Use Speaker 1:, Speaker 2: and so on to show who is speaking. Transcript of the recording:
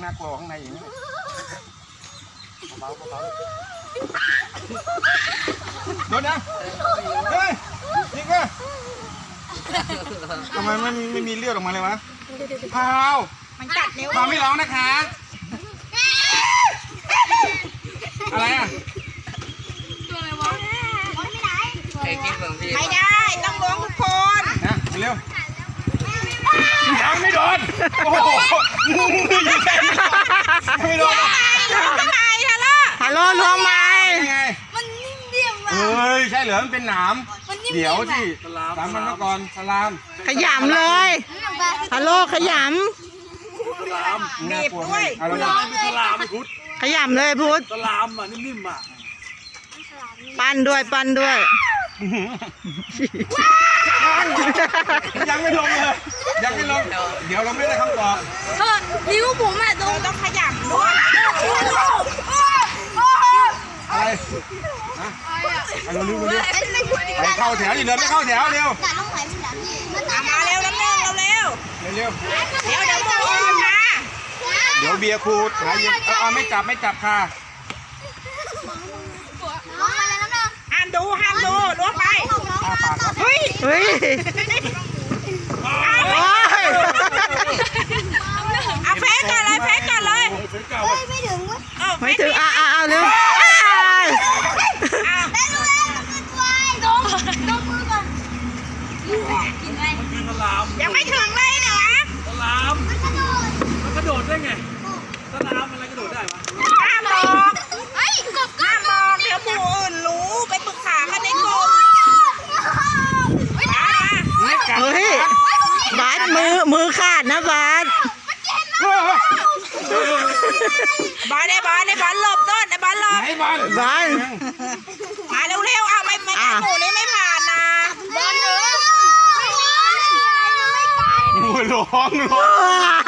Speaker 1: น่ากลัวข้างในอย่างนี้เบาโดนนะเฮ้ยจริงป่ะทำไมไม่มีเลือดออกมาเลยวะพาวมันกัดเร็วพาวไม่ร้องนะคะอะไรอ่ะตัวอะไรวะไม่ได้ต้องล้วงทุกคนนะเร็วยังไม่โดนโอ้โหไม่โดน
Speaker 2: ฮัลโหลล้วงไม้
Speaker 3: มันนิ่มเดียวอ่ะ
Speaker 1: เฮ้ยใช่เหรอมันเป็นหนามเดี๋ยวที่สามมันมาก่อนสลาม
Speaker 2: ขยำเลยฮัลโหลขย
Speaker 1: ำบีบด้วย
Speaker 4: สลามพุทธ
Speaker 2: ำขยำเลยพุทธ
Speaker 4: สลามอ่ะนิ่มๆอ่ะ
Speaker 2: ปั้นด้วย
Speaker 1: ยังไม่ลงเลยยังไม่ลงเดี๋ยวเราไม่ได้คำตอบ
Speaker 3: นิ้วผมอ่ะต้องขยับด้วย
Speaker 1: อะไรนะไปเร็วไปเข้าแถวดิเดินไม่เข้าแถวเร็ว
Speaker 3: มาเร็วน้ำหนึ่งเร็ว
Speaker 1: เดี๋ยว
Speaker 3: มา
Speaker 1: เดี๋ยวเบียร์ครูหาเย็นไม่จับค่ะ
Speaker 3: ห้ามดูล้วงไป
Speaker 2: เฮ้ย
Speaker 3: เอาเฟซก่อนเลยไม่ถึง
Speaker 2: เอาเร็ว
Speaker 3: ยังไม่ถึงเลยนะ
Speaker 4: สลามมันกระโดดได้ไงสลามอะไรกระโดดได้วะ
Speaker 3: ห้ามบอกเดี๋ยวหมู่อื่นรู้ไปปรึกษากันในกลุ่ม
Speaker 2: เฮ้ยบาสมือขาดนะบาส
Speaker 3: ได้บอลหลบต้นได้บอลหลบมาเร็วเอาไม่หมู่นี้ไม่ผ่านนะ
Speaker 1: ร้อง